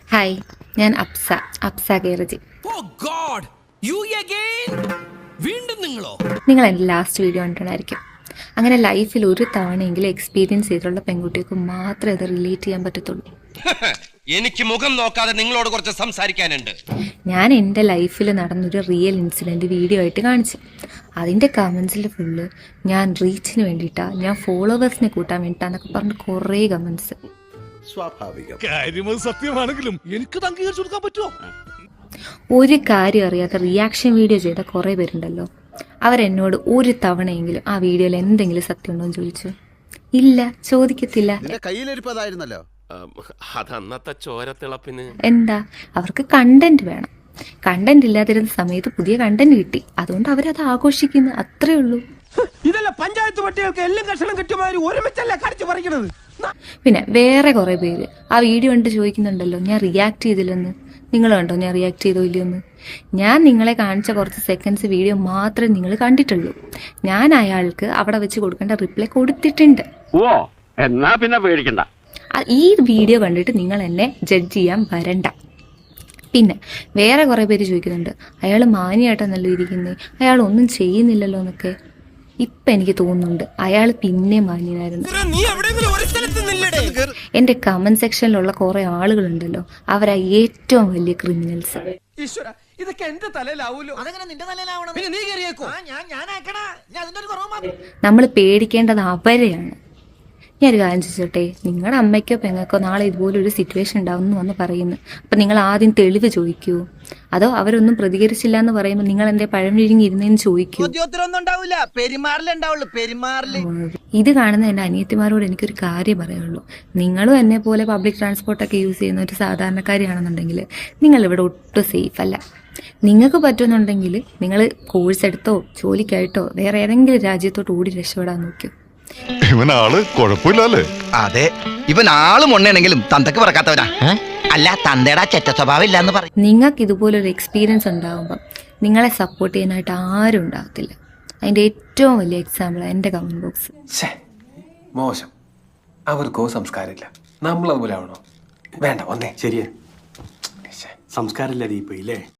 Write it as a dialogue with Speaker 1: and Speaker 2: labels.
Speaker 1: Hi, ഞാൻ അപ്സ കേരജി. നിങ്ങൾ എൻ്റെ ലാസ്റ്റ് വീഡിയോ കണ്ടിട്ടുണ്ടായിരിക്കും. അങ്ങനെ ലൈഫിൽ ഒരു തവണയെങ്കിലും എക്സ്പീരിയൻസ് ചെയ്തിട്ടുള്ള പെൺകുട്ടികൾക്ക് മാത്രമേ അത് റിലേറ്റ് ചെയ്യാൻ പറ്റത്തുള്ളൂ.
Speaker 2: എനിക്ക് മുഖം നോക്കാതെ നിങ്ങളോട് കുറച്ച് സംസാരിക്കാനുണ്ട്.
Speaker 1: ഞാൻ എൻ്റെ ലൈഫിൽ നടന്നൊരു റിയൽ ഇൻസിഡൻറ്റ് വീഡിയോ ആയിട്ട് കാണിച്ചു. അതിൻ്റെ കമൻസിൽ ഫുള്ള് ഞാൻ റീച്ചിന് വേണ്ടിയിട്ടാ, ഞാൻ ഫോളോവേഴ്സിനെ കൂട്ടാൻ വേണ്ടിയിട്ടാന്നൊക്കെ പറഞ്ഞ് കുറേ കമൻസ്.
Speaker 3: സത്യമാണെങ്കിലും എനിക്ക് അംഗീകരിച്ചു കൊടുക്കാൻ പറ്റുമോ?
Speaker 1: ഒരു കാര്യം അറിയാത്ത റിയാക്ഷൻ വീഡിയോ ചെയ്ത കുറേ പേരുണ്ടല്ലോ, അവരെന്നോട് ഒരു തവണയെങ്കിലും ആ വീഡിയോയിൽ എന്തെങ്കിലും സത്യം ഉണ്ടോ എന്ന് ചോദിച്ചു. ഇല്ല, ചോദിക്കത്തില്ല.
Speaker 2: അതന്നത്തെ ചോരത്തിളപ്പിന്
Speaker 1: എന്താ, അവർക്ക് കണ്ടന്റ് വേണം. കണ്ടന്റ് ഇല്ലാതിരുന്ന സമയത്ത് പുതിയ കണ്ടന്റ് കിട്ടി, അതുകൊണ്ട് അവരത് ആഘോഷിക്കുന്നു, അത്രേ ഉള്ളൂ.
Speaker 3: ഇതല്ല പഞ്ചായത്ത് പട്ടികൾക്ക് എല്ലാം കഷണം കിട്ടുമാതിരി ഒരുമിച്ചല്ല കടിച്ചു പറിക്കണത്.
Speaker 1: പിന്നെ വേറെ കുറെ പേര് ആ വീഡിയോ കണ്ട് ചോദിക്കുന്നുണ്ടല്ലോ, ഞാൻ റിയാക്ട് ചെയ്തില്ലെന്ന്. നിങ്ങൾ കണ്ടോ ഞാൻ റിയാക്ട് ചെയ്തോ ഇല്ലയോന്ന്? ഞാൻ നിങ്ങളെ കാണിച്ച കുറച്ച് സെക്കൻഡ്സ് വീഡിയോ മാത്രമേ നിങ്ങൾ കണ്ടിട്ടുള്ളൂ. ഞാൻ അയാൾക്ക് അവിടെ വെച്ച് കൊടുക്കേണ്ട റിപ്ലൈ കൊടുത്തിട്ടുണ്ട്.
Speaker 4: ഓ, എന്നാ പിന്നെ പേടിക്കണ്ട.
Speaker 1: ഈ വീഡിയോ കണ്ടിട്ട് നിങ്ങൾ എന്നെ ജഡ്ജ് ചെയ്യാൻ വരണ്ട. പിന്നെ വേറെ കുറെ പേര് ചോദിക്കുന്നുണ്ട്, അയാൾ മാന്യമായിട്ടാണല്ലോ ഇരിക്കുന്നത്, അയാൾ ഒന്നും ചെയ്യുന്നില്ലല്ലോ എന്നൊക്കെ. ഇപ്പം എനിക്ക് തോന്നുന്നുണ്ട് അയാൾ പിന്നെ മാന്യനായിരുന്നു. എൻ്റെ കമന്റ് സെക്ഷനിലുള്ള കുറെ ആളുകളുണ്ടല്ലോ, അവരാ ഏറ്റവും വലിയ ക്രിമിനൽസ്. നമ്മൾ പേടിക്കേണ്ടത് അവരെയാണ്. ഞാനൊരു കാര്യം ചോദിച്ചോട്ടെ, നിങ്ങളുടെ അമ്മയ്ക്കോ പെങ്ങൾക്കോ നാളെ ഇതുപോലൊരു സിറ്റുവേഷൻ ഉണ്ടാവുമെന്ന് വന്ന് പറയുന്നു, അപ്പം നിങ്ങൾ ആദ്യം തെളിവ് ചോദിക്കൂ? അതോ അവരൊന്നും പ്രതികരിച്ചില്ല എന്ന് പറയുമ്പോൾ നിങ്ങൾ എന്തേ പഴമിഴിഞ്ഞ് ഇരുന്നേന്ന് ചോദിക്കൂ? ഇത് കാണുന്ന എൻ്റെ അനിയത്തിമാരോട് എനിക്കൊരു കാര്യം പറയുള്ളൂ. നിങ്ങളും എന്നെ പോലെ പബ്ലിക് ട്രാൻസ്പോർട്ടൊക്കെ യൂസ് ചെയ്യുന്ന ഒരു സാധാരണക്കാരിയാണെന്നുണ്ടെങ്കിൽ നിങ്ങളിവിടെ ഒട്ടും സേഫ് അല്ല. നിങ്ങൾക്ക് പറ്റുന്നുണ്ടെങ്കിൽ നിങ്ങൾ കോഴ്സ് എടുത്തോ ജോലിക്കായിട്ടോ വേറെ ഏതെങ്കിലും രാജ്യത്തോട്ട് ഓടി രക്ഷപ്പെടാൻ നോക്കൂ.
Speaker 5: ഇവനാള് കുഴപ്പമില്ലല്ലേ?
Speaker 6: അതെ, ഇവൻ ആള് മൊണ്ണയാണെങ്കിലും തന്തക്ക് പറക്കാത്തവനാ. അല്ല, തന്തയുടെ ചെറ്റ സ്വഭാവം ഇല്ലാന്ന് പറയും.
Speaker 1: നിങ്ങൾക്ക് ഇതുപോലൊരു എക്സ്പീരിയൻസ് ഉണ്ടാകുമ്പം നിങ്ങളെ സപ്പോർട്ട് ചെയ്യാനായിട്ട് ആരും ഉണ്ടാകത്തില്ല. അതിൻ്റെ ഏറ്റവും വലിയ എക്സാമ്പിൾ എൻ്റെ കമന്റ് ബോക്സ്.
Speaker 7: മോശം, അവർക്കോ സംസ്കാരമില്ല. നമ്മൾ അതുപോലെ ആവണോ? വേണ്ട, ഒന്നേ ശരിയേ, സംസ്കാരമില്ല ദീപയില്ലേ.